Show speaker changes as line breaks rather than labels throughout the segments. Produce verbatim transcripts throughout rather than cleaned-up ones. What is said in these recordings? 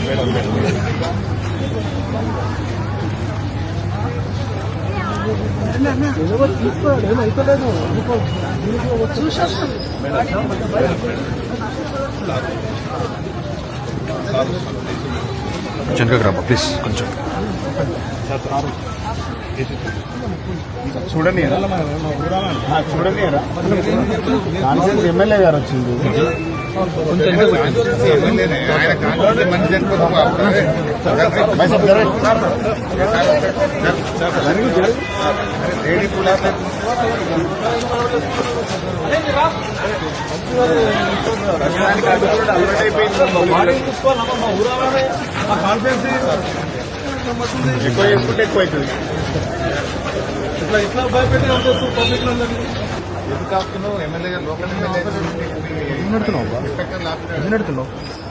తీసుకోవాలి ఏమైతలేదు చూసేస్తాం.
వెనకకి రాబా ప్లీజ్ కొంచెం
చూడండి చూడండి కాన్ఫరెన్స్ ఎమ్మెల్యే గారు వచ్చింది. ఆయన కాన్ఫరెన్స్ మంచి లేడీ పులా కాన్ఫరెన్స్ ఎక్కువ చేసుకుంటే ఎక్కువ అవుతుంది. ఇట్లా ఇట్లా భయపెట్టి పబ్లిక్ లో ఎందుకు కాపుతున్నావు? ఎమ్మెల్యే గారు లోకల్ ఎమ్మెల్యే నడుతున్నావు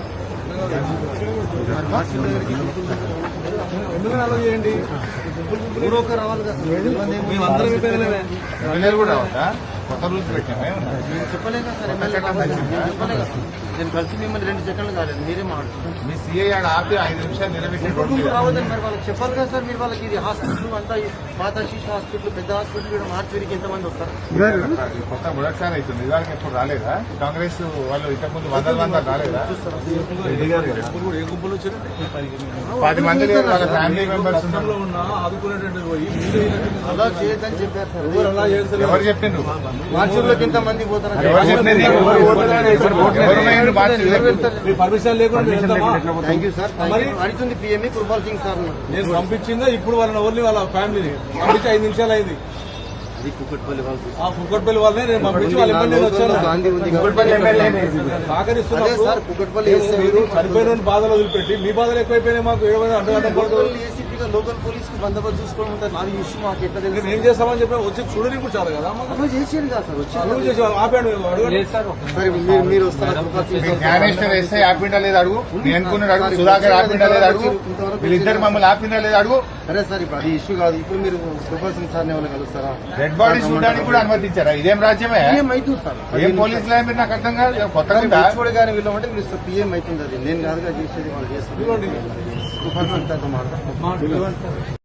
ఎందుకు అలా చేయండి. రావాలి కదా మేమందరం ఎమ్మెల్యేలు కూడా రావద్దా? కొత్త రూల్స్ పెట్టామే చెప్పలేదు సార్. ఎమ్మెల్యే నేను కలిసి మిమ్మల్ని రెండు సెకండ్లు కాలేదు, మీరే మాట్లాడుతున్నారు. మీ సీఐ ఆడ ఆపి ఐదు నిమిషాలు నిలబెట్టి రావద్దని మరి వాళ్ళకి చెప్పాలి కదా సార్. మీరు వాళ్ళకి ఇది హాస్పిటల్ అంతా పాత శిశు హాస్పిటల్ పెద్ద హాస్పిటల్ కూడా మార్చికి ఎంతమంది వస్తారు? కొత్త మొదటిసారి అవుతుంది. ఇవాళకి ఎప్పుడు రాలేదా? కాంగ్రెస్ వాళ్ళు ఇంతకుముందు వందల వందలు రాలేదా? పది మంది వాళ్ళ ఫ్యామిలీ మెంబర్స్ అలా చేయొద్దని చెప్పారు సార్. ఎవరు చెప్పిండ్రు? మార్చిలోకి ఎంత మంది పోతారు? ఎవరు చెప్పింది? పర్మిషన్ లేకుండా అడుగుతుంది పిఎంఈ కుర్బాల్ సింగ్ సార్. నేను పంపించిందా ఇప్పుడు వాళ్ళని ఓన్లీ వాళ్ళ ఫ్యామిలీని పంపించి ఐదు నిమిషాలు అయింది. కుక్కట్పల్లి వాళ్ళనే నేను పంపించి వాళ్ళ ఎమ్మెల్యే వచ్చాను. సహకరిస్తున్నారు. చనిపోయిన బాధలు వదిలిపెట్టి మీ బాధలు ఎక్కువైపోయినాయి. మాకు ఏసీపీగా లోకల్ పోలీస్ కి బందోబస్తు చూసుకోవడం ఉంటుంది. నాది ఇష్యూ మాకు ఎట్లా తెలుసు? ఏం చేస్తామని చెప్పి వచ్చి చూడని కూడా చాలు కదా. చేసేది కాదు సార్. వచ్చి చేసి ఆపాడు. మీరు వస్తారు వేస్తే ఆపిండా లేదు అడుగు. నేను అనుకున్నాడు అడుగు. సుధాకర్ ఆపిండా లేదు అడుగు. వీళ్ళిద్దరు మమ్మల్ని ఆపిండా లేదు అడుగు. సరే సార్ ఇప్పుడు అది ఇష్యూ కాదు. ఇప్పుడు మీరు కుర్బాల్ సింగ్ సార్ ఎవరు కలుస్తారా? డెడ్ బాడీ చూడడానికి కూడా అనుమతించారా? ఇదేం రాజ్యమే? ఏమైతుంది సార్? ఏం పోలీసులు మీరు నాకు అర్థం కాదు. కొత్తగా చూడగానే వీళ్ళమంటే మీరు పిఎం అవుతుంది. అది నేను కాదుగా చేసేది వాళ్ళు చేస్తారు.